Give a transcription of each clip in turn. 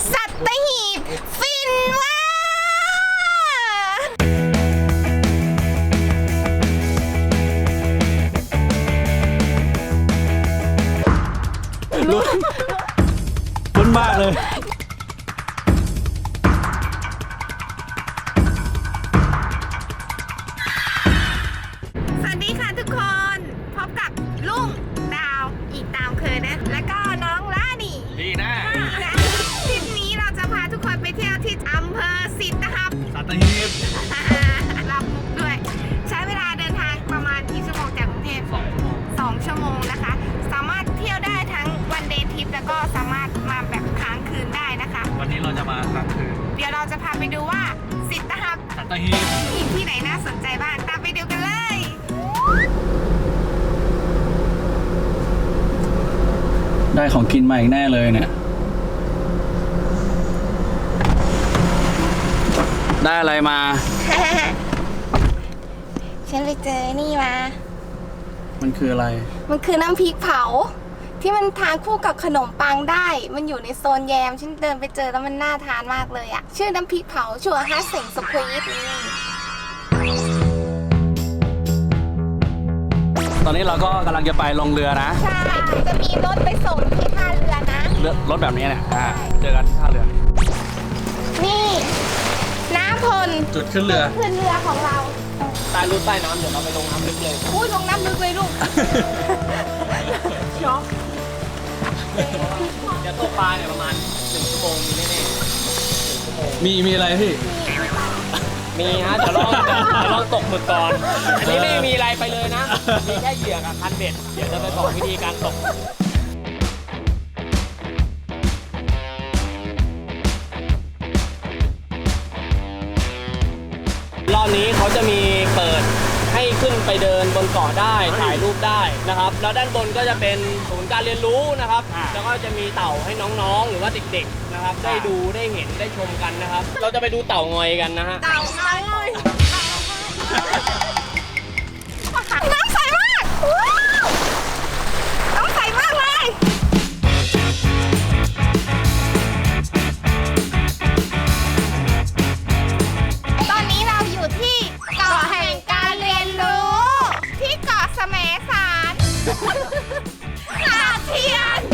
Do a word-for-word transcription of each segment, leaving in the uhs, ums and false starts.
สัตหีบฟินว่าลุ้นลุ้นมากเลยสวัสดีค่ะทุกคนพบกับลุงดาวอีกตามเคยนะแล้วก็น้องล่านี่ดีนะทริปนี้เราจะพาทุกคนไปเที่ยวที่อำเภอสิทธิ์นะครับสัตหีบรับมุกด้วย ใช้เวลาเดินทางประมาณกี่ชั่วโมงจากกรุงเทพสองชั่วโมงสองชั่วโมงนะคะ สามารถเที่ยวได้ทั้งวันเดย์ทริปแล้วก็สามารถมาแบบค้างคืนได้นะคะวันนี้เราจะมาค้างคืนเดี๋ยวเราจะพาไปดูว่าสิทธิ์นะครับสัตหีบมีที่ไหนน่าสนใจบ้างตามไปดูกันเลยได้ของกินมาอีกแน่เลยเนี่ยได้อะไรมาฉันไปเจอนี่มามันคืออะไรมันคือน้ำพริกเผา ที่มันทานคู่กับขนมปังได้ มันอยู่ในโซนแยม ฉันเดินไปเจอแล้วมันน่าทานมากเลยอะชื่อน้ำพริกเผาชัวร์ฮัสเซ็งสควีทนี่ตอนนี้เราก็กำลังจะไปลงเรือนะใช่ จะมีรถไปส่งที่ท่าเรือนะเรือรถแบบนี้เนี่ยอ่าเจอกันที่ท่าเรือนี่ น้ำพลจุดขึ้นเรือขึ้นเรือของเราใต้รูใต้น้ำเดี๋ยวเราไปลงน้ำลึกเลยพูดลงน้ำลึกเลยลูก ช็อกเดี๋ยวตกปลาเนี่ยประมาณหนึ่งชั่วโมงมีแน่ๆหนึ่งชั่วโมงมีมีอะไรพี่มีฮะเดี๋ยวลองเดี๋ยวลองตกหมึกก่อน อันนี้ไม่มีอะไรไปเลยนะ มีแค่เหยื่อกับคันเบ็ด เดี๋ยวจะไปบอกวิธีการตก รอบนี้เขาจะมีเปิดให้ขึ้นไปเดินบนเกาะได้ถ่ายรูปได้นะครับ แล้วด้านบนก็จะเป็นศูนย์การเรียนรู้นะครับ แล้วก็จะมีเต่าให้น้องๆ หรือว่าเด็กๆนะครับ ได้ดูได้เห็นได้ชมกันนะครับ เราจะไปดูเต่างอยกันนะฮะเต่าน้อยเลยน้ำใสมากว้าวน้ำใสมากเลย ตอนนี้เราอยู่ที่เกาะแห่งการเรียนรู้ ที่เกาะแสมสารหาดเทียน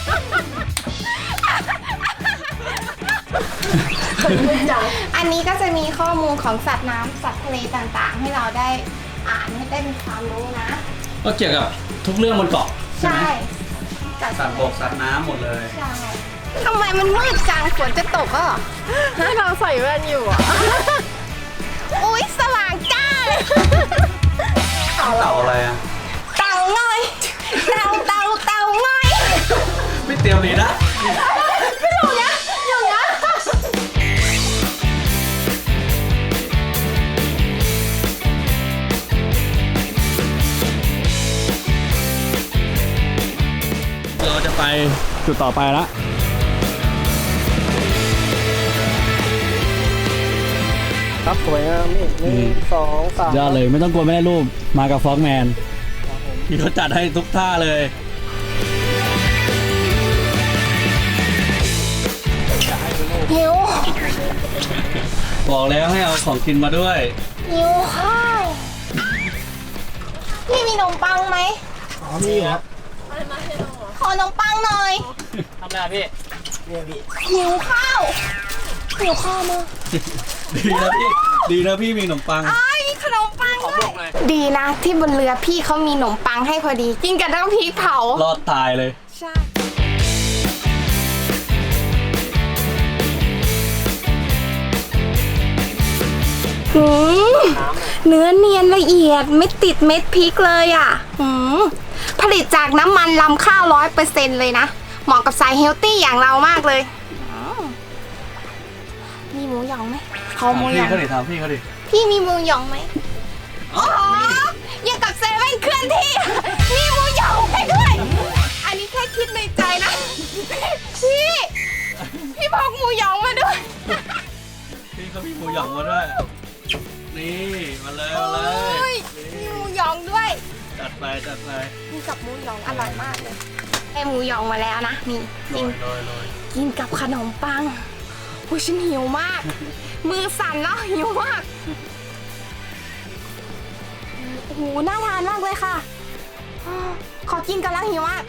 อันนี้ก็จะมีข้อมูลของสัตว์น้ำสัตว์ทะเลต่างๆ ให้เราได้อ่านให้ได้มีความรู้นะก็เกี่ยวกับทุกเรื่องบนเกาะใช่ไหมจากสัตว์บกสัตว์น้ำหมดเลยใช่ทำไมมันมืดจังฝนจะตกอ่ะให้เราใส่แว่นอยู่อ่ะ อุ๊ย สว่างจ้าเลยเต่าอะไรอ่ะเต่าง่อยเต่าเต่าเต่าง่อยไม่เตรียมเลยนะไม่อยู่นะอยู่นะเราจะไปจุดต่อไปละครับสวยงามนี่หนึ่งสองสามยอดเลยไม่ต้องกลัวไม่ได้รูปมากับฟ็อกแมนที่เขาจัดให้ทุกท่าเลยหิวบอกแล้วให้เอาของกินมาด้วยหิวข้าวพี่มีขนมปังไหมอ๋อนี่ครับขอขนมปังหน่อยทำอะไรอะพี่เนี่ยพี่หิวข้าวหิวข้าวมากดีนะพี่ดีนะพี่มีขนมปังไอ้ยมีขนมปังขอด้บวอย กเลยดีนะที่บนเรือพี่เขามีขนมปังให้พอดี กินกับน้ำพริกเผารอดตายเลยใช่หืมเนื้อเนียนละเอียดไม่ติดเม็ดพริกเลยอ่ะหืมผลิตจากน้ำมันลำข้าวร้อยเปอร์เซ็นต์เลยนะ เหมาะกับสายเฮลตี้อย่างเรามากเลยอืมมีหมูหยองไหมขอถามหมูหยพี่องเขาดิถามพี่เขาดิพี่มีหมูหยองไหมอ๋อยังกับเซเว่นเคลื่อนที่ มีหมูหยองให้ด้วย อันนี้แค่คิดในใจนะ พี่ พี่พกหมูหยองมาด้วยพี่เขามีหมูหยองมาด้วย นี่มาเลยมาเลโอ้ยยมีหมูหยองด้วยจัดไปจัดไปมีกับหมูหยองอร่อยมากเลยได้หมูหยองมาแล้วนะนี่โรกินยโรยโรยกินกับขนมปังโอ้ยฉันหิวมาก มือสั่นแล้วหิวมากโอ้โหน่าทานมากเลยค่ะอ้อขอกินกันแล้วหิวมาก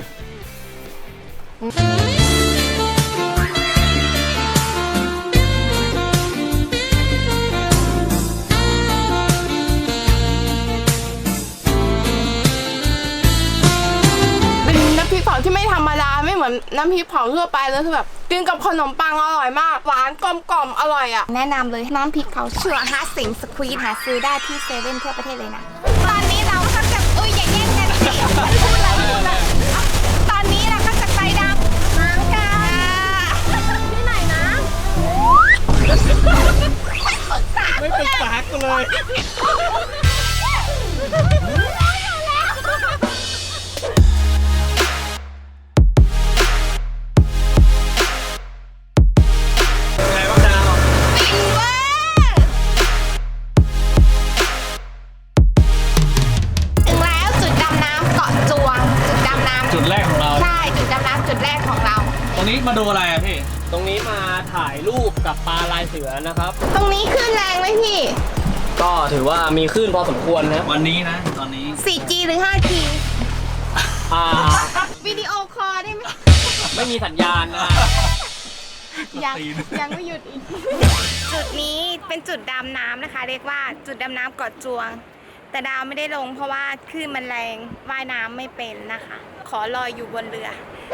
เป็นน้ำพริกเผาที่ไม่ธรรมดาไม่เหมือนน้ำพริกเผาทั่วไปเลยคือแบบกินกับขนมปังอร่อยมากหวานกลมกล่อมอร่อยอ่ะแนะนำเลยน้ำพริกเผาเชื่อฮะสิงสควีทหาซื้อได้ที่เซเว่นทั่วประเทศเลยนะตอนนี้เราก็จะอุ้ยอย่าแย่งกันสิพูดเลยพูดเลยอ่ะตอนนี้เราก็จะไปดำน้ำกันที่ไหนนะไม่เป็นปากกูเลยไงบ้างดาวฟินเวอร์ถึงแล้วจุดดำน้ำเกาะจวง จุดดำน้ำจุดแรกของเราใช่จุดดำน้ำจุดแรกของเราตรงนี้มาดูอะไรอะพี่ตรงนี้มาถ่ายรูปกับปลาลายเสือนะครับตรงนี้ขึ้นแรงไหมพี่ก็ถือว่ามีคลื่นพอสมควรนะวันนี้นะ ตอนนี้โฟร์จี หรือ ไฟว์จีอ่าวิดีโอคอลได้ไหมไม่มีสัญญาณนะยังตีนยังไม่หยุดอีก จุดนี้เป็นจุดดำน้ำนะคะ เรียกว่าจุดดำน้ำเกาะจวง แต่ดาวไม่ได้ลงเพราะว่าคลื่นมันแรงว่ายน้ำไม่เป็นนะคะ ขอลอยอยู่บนเรือ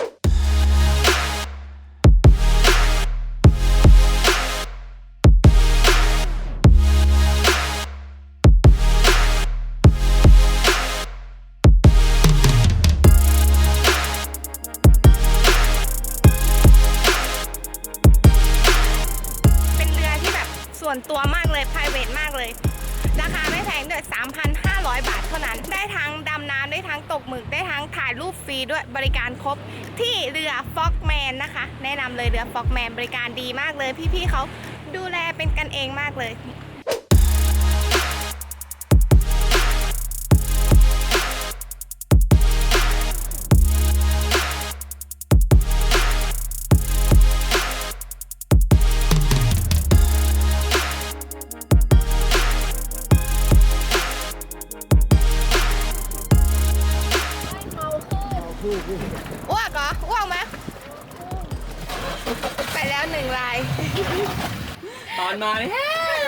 เป็นเรือที่แบบส่วนตัวมากเลย private มากเลย ราคาไม่แพงด้วย สามพันห้าร้อย บาทเท่านั้น ได้ทั้งดำน้ำได้ทั้งตกหมึก ได้ทั้งถ่ายรูปฟรีด้วยบริการครบที่เรือ Frogman นะคะ แนะนำเลยเรือ Frogman บริการดีมากเลย พี่ๆเขาดูแลเป็นกันเองมากเลย อ้วกเหรออ้วกไหมไปแล้วหนึ่งลายตอนมาเนี่ย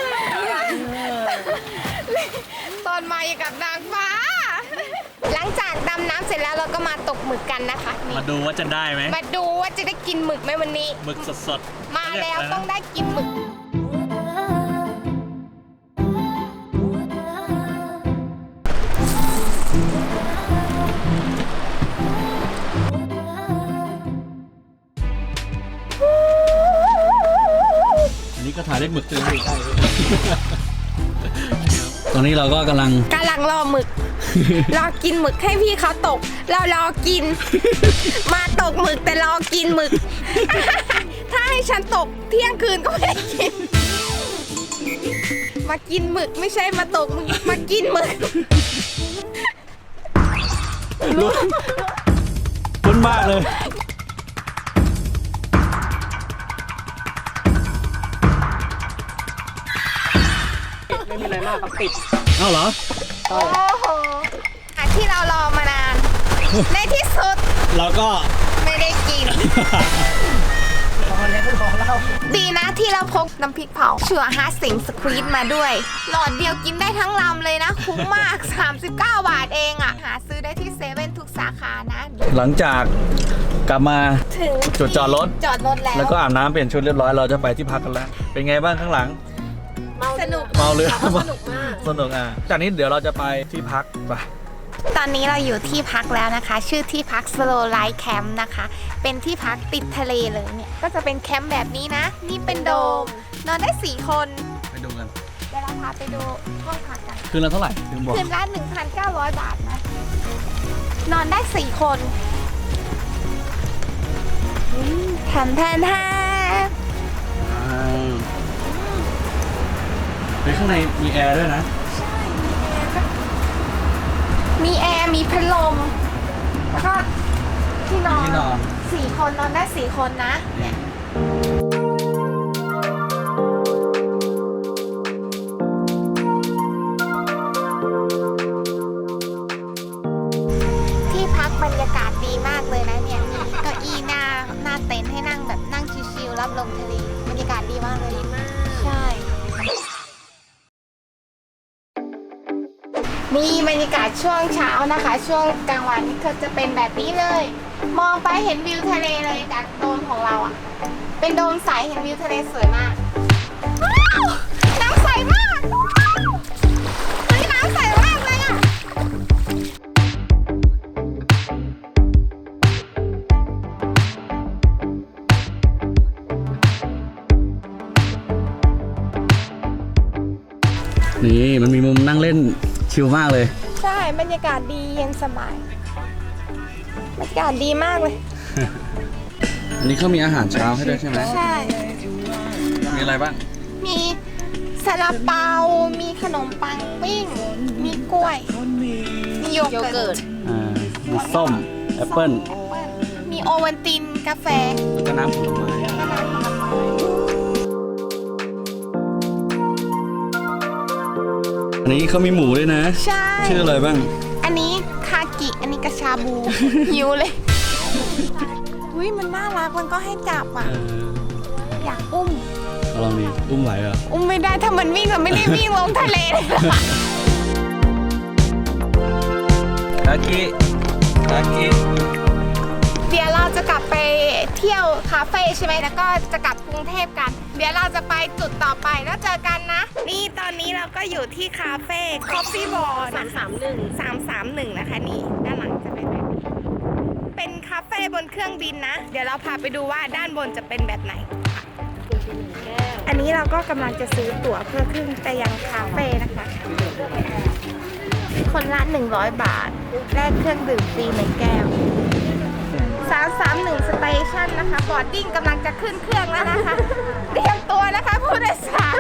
ตอนมาอย่างกับนางฟ้า หลังจากดำน้ำเสร็จแล้วเราก็มาตกหมึกกันนะคะนี่มาดูว่าจะได้ไหมมาดูว่าจะได้กินหมึกไหมวันนี้หมึกสดๆมาแล้วต้องได้กินหมึกอันนี้ก็ถ่ายได้หมึกเลยใช่ตอนนี้เราก็กำลังกำลังรอหมึก รอกินหมึกให้พี่เขาตก เรารอกิน มาตกหมึกแต่รอกินหมึก ถ้าให้ฉันตกเที่ยงคืนก็ไม่ได้กิน มากินหมึกไม่ใช่มาตกหมึกมากินหมึกลุ้นลุ้นมากเลยไม่มีอะไรมากครับปิดเอ้าเหรอโอ้โหอ่ะที่เรารอมานาน ในที่สุดเราก็ไม่ได้กิน ดีนะที่เราพกน้ำพริกเผาเชื่อฮาสิงสควีทมาด้วย หลอดเดียวกินได้ทั้งลำเลยนะ คุ้มมาก สามสิบเก้า บาทเองอ่ะ หาซื้อได้ที่เซเว่นทุกสาขานะหลังจากกลับมาถึงจุดจอดรถจอดรถแล้วแล้วก็อาบน้ำเปลี่ยนชุดเรียบร้อยเราจะไปที่พักกันแล้ว เป็นไงบ้างข้างหลังสนุกเมาเรือสนุกมากสนุกอ่ะ จากนี้เดี๋ยวเราจะไปที่พักไปตอนนี้เราอยู่ที่พักแล้วนะคะ ชื่อที่พัก Slow Light Camp นะคะ เป็นที่พักติดทะเลเลยเนี่ย ก็จะเป็นแคมป์แบบนี้นะ นี่เป็นโดม นอนได้สี่คนไปดูกันเดี๋ยวเราพาไปดูห้องพักกันคืนละเท่าไหร่ถึงบอกคืนละหนึ่งพันเก้าร้อย บาทนะ นอนได้สี่คนแทนแทนแทนไปข้างในมีแอร์ด้วยนะมีแอร์ มีพัดลม แล้วก็ที่นอนที่นอนสี่คนนอนได้สี่คนนะเนี่ยที่พักบรรยากาศดีมากเลยนะเนี่ยมีเก้าอี้หน้าหน้าเต็นท์ให้นั่งแบบนั่งชิลๆรับลมทะเลบรรยากาศดีมากเลยดีมากใช่นี่บรรยากาศช่วงเช้านะคะ ช่วงกลางวันก็จะเป็นแบบนี้เลย มองไปเห็นวิวทะเลเลยจากโดมของเราอ่ะเป็นโดมใสเห็นวิวทะเลสวยมากว้าวน้ำใสมากเฮ้ยน้ำใสมากเลยอ่ะนี่มันมีมุมนั่งเล่นชิลมากเลยใช่บรรยากาศดีเย็นสบายบรรยากาศดีมากเลยอันนี้เขามีอาหารเช้าให้ด้วยใช่ไหมใช่มีอะไรบ้างมีซาลาเปา มีขนมปังปิ้ง มีกล้วย มีโยเกิร์ตอ่า มีส้ม แอปเปิ้ลแอปเปิ้ล มีโอวัลติน กาแฟแล้วก็น้ำผลไม้แล้วก็น้ำผลไม้อันนี้เขามีหมูด้วยนะใช่ชื่ออะไรบ้างอันนี้คากิ อันนี้กระชาบู หิวเลยอุ้ยมันน่ารัก มันก็ให้จับอ่ะเอออยากอุ้มเอาลองดิอุ้มไหวเหรออุ้มไม่ได้ถ้ามันวิ่งเราไม่ได้วิ่งลงทะเลเลยคากิคากิเดี๋ยวเราจะกลับไปเที่ยวคาเฟ่ใช่ไหมแล้วก็จะกลับกรุงเทพกัน เดี๋ยวเราจะไปจุดต่อไปแล้วเจอกันนะ นี่ตอนนี้เราก็อยู่ที่คาเฟ่ Coffee Bar สามสามหนึ่ง สามสามหนึ่งนะคะนี่ด้านหลังจะเป็นแบบนี้เป็นคาเฟ่บนเครื่องบินนะ เดี๋ยวเราพาไปดูว่าด้านบนจะเป็นแบบไหน อันนี้เราก็กำลังจะซื้อตั๋วเพื่อขึ้นไปยังคาเฟ่นะคะ คนละหนึ่งร้อยบาทแลกเครื่องดื่มฟรีหนึ่งแก้ว สามสามหนึ่ง สเตชันนะคะ บอร์ดดิ้งกำลังจะขึ้นเครื่องแล้วนะคะ เตรียมตัวนะคะผู้โดยสาร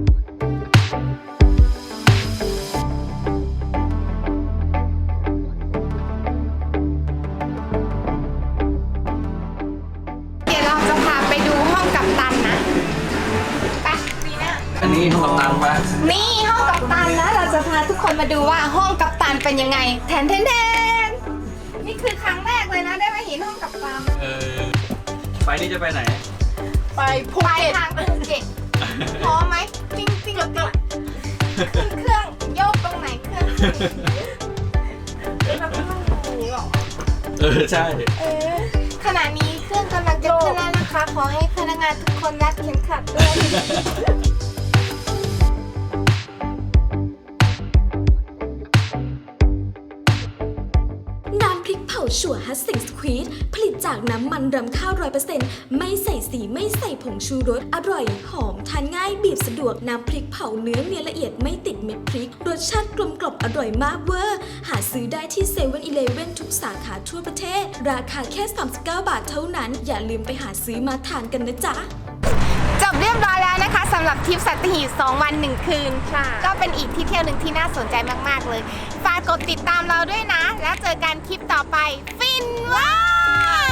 เดี๋ยวเราจะพาไปดูห้องกัปตันนะ ไปดีนะอันนี้ห้องกัปตันปะนี่ห้องกัปตันนะ เราจะพาทุกคนมาดูว่าห้องกัปตันเป็นยังไง แทนแทนแทนนี่คือครั้งแรกเลยนะได้มาเห็นห้องกัปตันเออ ไปนี่จะไปไหนไปภูเก็ตไปทางภูเก็ตพร้อมไหมจริงจริงจริงขึ้นเครื่องโยกตรงไหนเครื่องเราก็ต้องดูหรอเออ ใช่เออขณะนี้เครื่องกำลังจะขึ้นแล้วนะคะ ขอให้พนักงานทุกคนรัดเข็มขัดด้วยน้ำพริกเผาชัวฮัสสิงสควีดผลิตจากน้ำมันรำข้าวร้อยเปอร์เซ็นต์ไม่ใส่สีไม่ใส่ผงชูรสอร่อยหอมทานง่ายบีบสะดวกน้ำพริกเผาเนื้อเนียนละเอียดไม่ติดเม็ดพริก รสชาติกลมกล่อมอร่อยมากเวอร์หาซื้อได้ที่เซเว่นอีเลฟเว่นทุกสาขาทั่วประเทศ ราคาแค่สามสิบเก้าบาทเท่านั้น อย่าลืมไปหาซื้อมาทานกันนะจ๊ะจบเรียบร้อยแล้วนะคะสำหรับทริปสัตหีบสองวันหนึ่งคืนก็เป็นอีกที่เที่ยวหนึ่งที่น่าสนใจมากๆเลยฝากกดติดตามเราด้วยนะ แล้วเจอกันคลิปต่อไปฟินว้า